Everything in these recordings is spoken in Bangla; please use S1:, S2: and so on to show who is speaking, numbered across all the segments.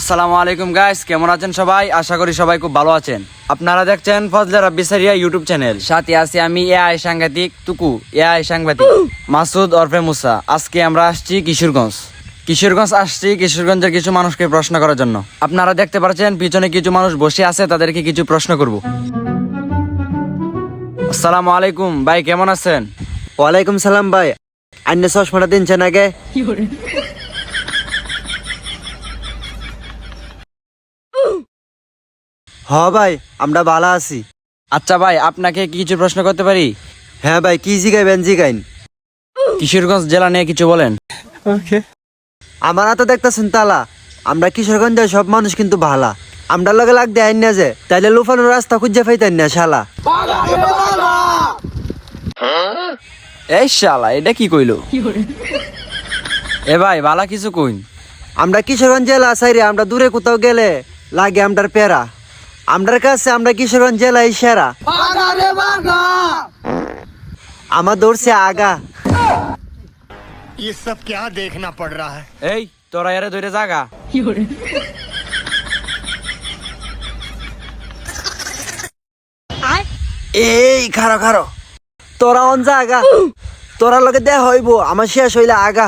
S1: আসসালামু আলাইকুম গাইস, কেমন আছেন সবাই? আশা করি সবাই খুব ভালো আছেন। আপনারা দেখছেন ফজলে রাব্বি সারিয়া ইউটিউব চ্যানেল। সাথে আছি আমি এআই সাংঘাতিক তুকু, এআই সাংবাদিক মাসুদ ওরফে মুসা। আজকে আমরা আসছি কিশোরগঞ্জ আসছি কিশোরগঞ্জের কিছু মানুষকে প্রশ্ন করার জন্য। আপনারা দেখতে পাচ্ছেন পিছনে কিছু মানুষ বসে আছে, তাদেরকে কিছু প্রশ্ন করব। আসসালামু আলাইকুম ভাই, কেমন আছেন?
S2: ওয়ালাইকুম সালাম ভাই। আইনে চশমাটা দিনছেন আগে। হ ভাই, আমরা ভালো আছি।
S1: আচ্ছা ভাই, আপনাকে কি কিছু প্রশ্ন করতে পারি?
S2: হ্যাঁ ভাই, কি জিগাইবেন জিগাইন।
S1: কিশোরগঞ্জ জেলা নিয়ে কিছু বলেন।
S2: আমার তো দেখতেছেন তালা, আমরা কিশোরগঞ্জের সব মানুষ কিন্তু ভালা। আমরা লগে লাগ দেয় না যে, তাইলে লুফানোর রাস্তা খুঁজে পাইতেন না শালা।
S1: এই শালা, এটা কি কইলো? এ ভাই, বালা কিছু কইন।
S2: আমরা কিশোরগঞ্জ জেলা সাইরে আমরা দূরে কোথাও গেলে লাগে আমরার পেরা। আমরার কাছে আমরা কিশোরগঞ্জ জেলায় সেরা। আমার দৌড়ছে আগা।
S3: ये सब क्या देखना पड़ रहा है।
S1: এই তোরা এরে ধরে জাগা।
S2: এই খারো খারো, তোরা অন যা আগা। তোরা লগে দেয়া হইব, আমার শেষ হইলে আগা।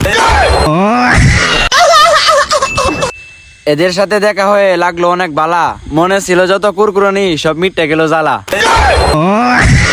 S1: এদের সাথে দেখা হয়ে লাগলো অনেক বালা। মনে ছিল যত কুরকুরানি সব মিটে গেল জ্বালা।